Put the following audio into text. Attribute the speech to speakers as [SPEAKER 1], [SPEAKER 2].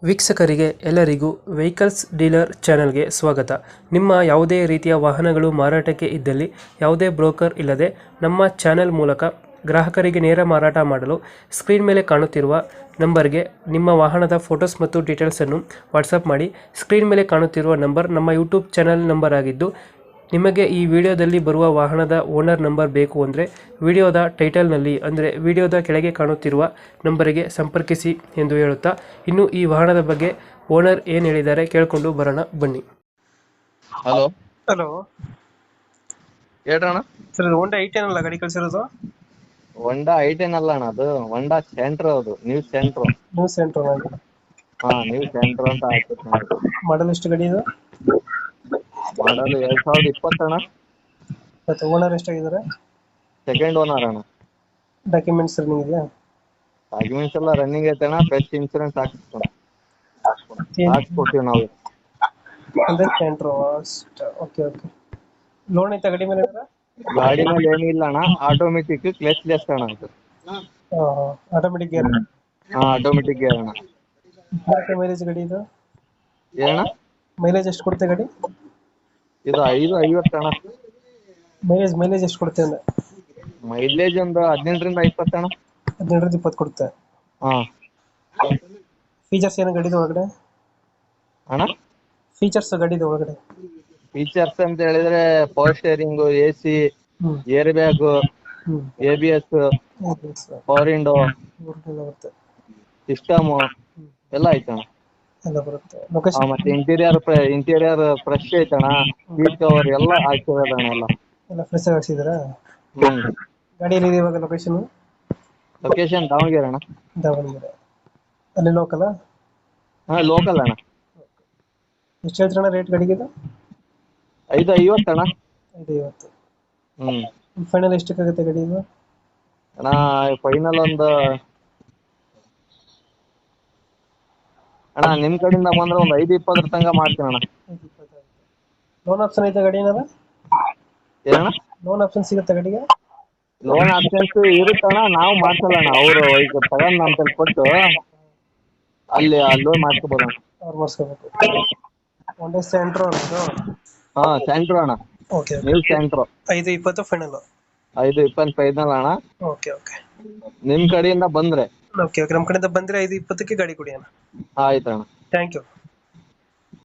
[SPEAKER 1] ವೀಕ್ಷಕರಿಗೆ ಎಲ್ಲರಿಗೂ vehicles dealer ಚಾನೆಲ್ಗೆ ಸ್ವಾಗತ. ನಿಮ್ಮ ಯಾವುದೇ ರೀತಿಯ ವಾಹನಗಳು ಮಾರಾಟಕ್ಕೆ ಇದ್ದಲ್ಲಿ ಯಾವುದೇ ಬ್ರೋಕರ್ ಇಲ್ಲದೆ ನಮ್ಮ ಚಾನೆಲ್ ಮೂಲಕ ಗ್ರಾಹಕರಿಗೆ ನೇರ ಮಾರಾಟ ಮಾಡಲು ಸ್ಕ್ರೀನ್ ಮೇಲೆ ಕಾಣುತ್ತಿರುವ ನಂಬರ್ಗೆ ನಿಮ್ಮ ವಾಹನದ ಫೋಟೋಸ್ ಮತ್ತು ಡೀಟೇಲ್ಸನ್ನು ವಾಟ್ಸಪ್ ಮಾಡಿ. ಸ್ಕ್ರೀನ್ ಮೇಲೆ ಕಾಣುತ್ತಿರುವ ನಂಬರ್ ನಮ್ಮ ಯೂಟ್ಯೂಬ್ ಚಾನೆಲ್ ನಂಬರ್ ಆಗಿದ್ದು, ನಿಮಗೆ ಈ ವಿಡಿಯೋದಲ್ಲಿ ಬರುವ ವಾಹನದ ಓನರ್ ನಂಬರ್ ಬೇಕು ಅಂದರೆ ವಿಡಿಯೋದ ಟೈಟಲ್ನಲ್ಲಿ ಅಂದರೆ ವಿಡಿಯೋದ ಕೆಳಗೆ ಕಾಣುತ್ತಿರುವ ನಂಬರಿಗೆ ಸಂಪರ್ಕಿಸಿ ಎಂದು ಹೇಳುತ್ತಾ, ಇನ್ನು ಈ ವಾಹನದ ಬಗ್ಗೆ ಓನರ್ ಏನು ಹೇಳಿದ್ದಾರೆ ಕೇಳಿಕೊಂಡು ಬರೋಣ ಬನ್ನಿ.
[SPEAKER 2] Hello
[SPEAKER 1] hello
[SPEAKER 2] ಹೇಳ್ರಣ್ಣ.
[SPEAKER 1] ಸರ್, ಇದು ಹೋಂಡಾ ಐಟೆನ್ ಅಲ್ಲ ಗಾಡಿ ಕಳಿಸಿರೋದು?
[SPEAKER 2] ಹೊಂಡಾ ಐಟೆನ್ ಅಲ್ಲ ಅಣ್ಣ, ಅದು ಹೊಂಡಾ ಸೆಂಟ್ರ್. ಅದು new Santro.
[SPEAKER 1] New Santro
[SPEAKER 2] new Santro ಅಂತ ಹಾಕ್ಬೇಕು ನೋಡಿ.
[SPEAKER 1] ಮಾಡಲ್ ಎಷ್ಟು ಗಾಡಿ ಇದು?
[SPEAKER 2] ಮಾಡಲ್ 2020 ಅಣ್ಣ.
[SPEAKER 1] ಮತ್ತು ಓನರ್ ಎಷ್ಟಾಗಿದ್ದಾರೆ?
[SPEAKER 2] ಸೆಕೆಂಡ್ ಓನರ್ ಅಣ್ಣ.
[SPEAKER 1] ಡಾಕ್ಯುಮೆಂಟ್ಸ್ ರನ್ನಿಂಗ್ ಇದೆಯಾ?
[SPEAKER 2] ಡಾಕ್ಯುಮೆಂಟ್ಸ್ ಎಲ್ಲ ರನ್ನಿಂಗ್ ಐತೆ ಅಣ್ಣ. ಫ್ರೆಶ್ ಇನ್ಸೂರೆನ್ಸ್ ಹಾಕ್ಸ್ಕೊಡ್ತೀವಿ ನಾವು.
[SPEAKER 1] ಅಂದ್ರೆ ಸೆಂಟ್ರ್. Okay okay. ಲೋನ್ ಐತಾ ಗಾಡಿ ಮೇಲೆ?
[SPEAKER 2] ಗಾಡಿ ಮೇಲೆ ಏನಿಲ್ಲ ಅಣ್ಣ, ಆಟೋಮೆಟಿಕ್ ಕ್ಲಚ್ಲೆಸ್ ಅಣ್ಣ ಅದು.
[SPEAKER 1] Automatic gear?
[SPEAKER 2] ಆಟೋಮೆಟಿಕ್ ಗೇರ್ ಅಣ್ಣ.
[SPEAKER 1] ಮೈಲೇಜ್ ಗಾಡಿ ಇದು?
[SPEAKER 2] ಏನಣ್ಣ
[SPEAKER 1] ಮೈಲೇಜ್ ಎಷ್ಟು ಕೊಡುತ್ತೆ ಗಾಡಿ?
[SPEAKER 2] ಇದು 550 ಅಣ್ಣ.
[SPEAKER 1] ಮೈಲೇಜ್ ಎಷ್ಟು ಕೊಡುತ್ತೆ ಅಂದ್ರೆ?
[SPEAKER 2] ಮೈಲೇಜ್ ಒಂದು 18ರಿಂದ 20 ಅಣ್ಣ.
[SPEAKER 1] 18ರಿಂದ 20 ಕೊಡುತ್ತೆ. ಫೀಚರ್ಸ್ ಏನು ಗಾಡಿದು ಒಳಗಡೆ?
[SPEAKER 2] ಅಣ್ಣ
[SPEAKER 1] ಫೀಚರ್ಸ್ ಗಾಡಿದು ಒಳಗಡೆ?
[SPEAKER 2] ಫೀಚರ್ಸ್ ಅಂತ ಹೇಳಿದ್ರೆ power steering, AC, air bag, ABS, power window, system ಎಲ್ಲ ಐತಣ್ಣ.
[SPEAKER 1] ಎಲ್ಲ ಬರುತ್ತೆ. ಲೊಕೇಶನ್?
[SPEAKER 2] ಮತ್ತೆ ಇಂಟೀರಿಯರ್ ಫ್ರೆಶ್ ಐತಣ್ಣ. ಸೀಟ್ ಕವರ್ ಎಲ್ಲ ಹಾಕಿರೋದಣ್ಣ.
[SPEAKER 1] ಎಲ್ಲ ಫ್ರೆಶ್ ಆಗಿ ಹಾಕ್ಸಿದ್ದೀರಾ?
[SPEAKER 2] ಹ್ಮ್.
[SPEAKER 1] ಗಾಡಿ ಎಲ್ಲಿದೆ ಇವಾಗ ಲೊಕೇಶನ್?
[SPEAKER 2] ಲೊಕೇಶನ್ ದಾವಣಗೆರೆ ಅಣ್ಣ.
[SPEAKER 1] ದಾವಣಗೆರೆ. ಅಲ್ಲಿ ಲೋಕಲ್?
[SPEAKER 2] ಲೋಕಲ್ ಅಣ್ಣ.
[SPEAKER 1] ಎಷ್ಟು ಹೇಳ್ತೀರಣ್ಣ ರೇಟ್ ಗಾಡಿಗೆ ಇದು?
[SPEAKER 2] 550 ಅಣ್ಣ.
[SPEAKER 1] 550.
[SPEAKER 2] ಹ್ಮ್.
[SPEAKER 1] ಫೈನಲ್ ಎಷ್ಟಕ್ಕಾಗುತ್ತೆ ಗಾಡಿ ಇದು?
[SPEAKER 2] ಅಣ್ಣ ಫೈನಲ್ ಒಂದು ಅಣ್ಣ ನಿಮ್ ಕಡೆಯಿಂದ ಬಂದ್ರೆ ಒಂದು 520 ತನಕ ಮಾಡ್ತೀನಿ ಅಣ್ಣ.
[SPEAKER 1] 520. ಲೋನ್ ಆಪ್ಷನ್ ಐತೆ ಗಾಡಿ ಏನಾರ?
[SPEAKER 2] ಏನಣ್ಣ?
[SPEAKER 1] ಲೋನ್ ಆಪ್ಷನ್ ಸಿಗುತ್ತೆ ಗಾಡಿಗೆ?
[SPEAKER 2] ಲೋನ್ ಆಪ್ಷನ್ಸ್ ಇರುತ್ತಣ್ಣ, ನಾವು ಮಾಡ್ಸಲ್ಲ ಅಣ್ಣ. ಅವರು ಈಗ ತಗೊಂಡ್ ನಮ್ಮ ಕೈಲಿ ಕೊಟ್ಟು ಅಲ್ಲಿ ಲೋನ್ ಮಾಡ್ಕೋಬೋದಣ್ಣ.
[SPEAKER 1] ಅವ್ರು ಮಾಡಿಸ್ಕೋಬೇಕು. ಒಂದೇ ಸೆಂಟ್ರ್ ಅನ್ನೋದು?
[SPEAKER 2] ಸೆಂಟ್ರ್ ಅಣ್ಣ.
[SPEAKER 1] Okay.
[SPEAKER 2] New Santro.
[SPEAKER 1] 520 final?
[SPEAKER 2] 520 final ಅಣ್ಣ.
[SPEAKER 1] Okay okay.
[SPEAKER 2] ನಿಮ್ ಕಡೆಯಿಂದ ಬಂದ್ರೆ?
[SPEAKER 1] Okay okay. ನಮ್ಮ ಕಡೆಯಿಂದ ಬಂದರೆ 520ಕ್ಕೆ ಗಾಡಿ ಕೊಡಿ ಅಣ್ಣ.
[SPEAKER 2] ಆಯ್ತಣ್ಣ.
[SPEAKER 1] Thank you.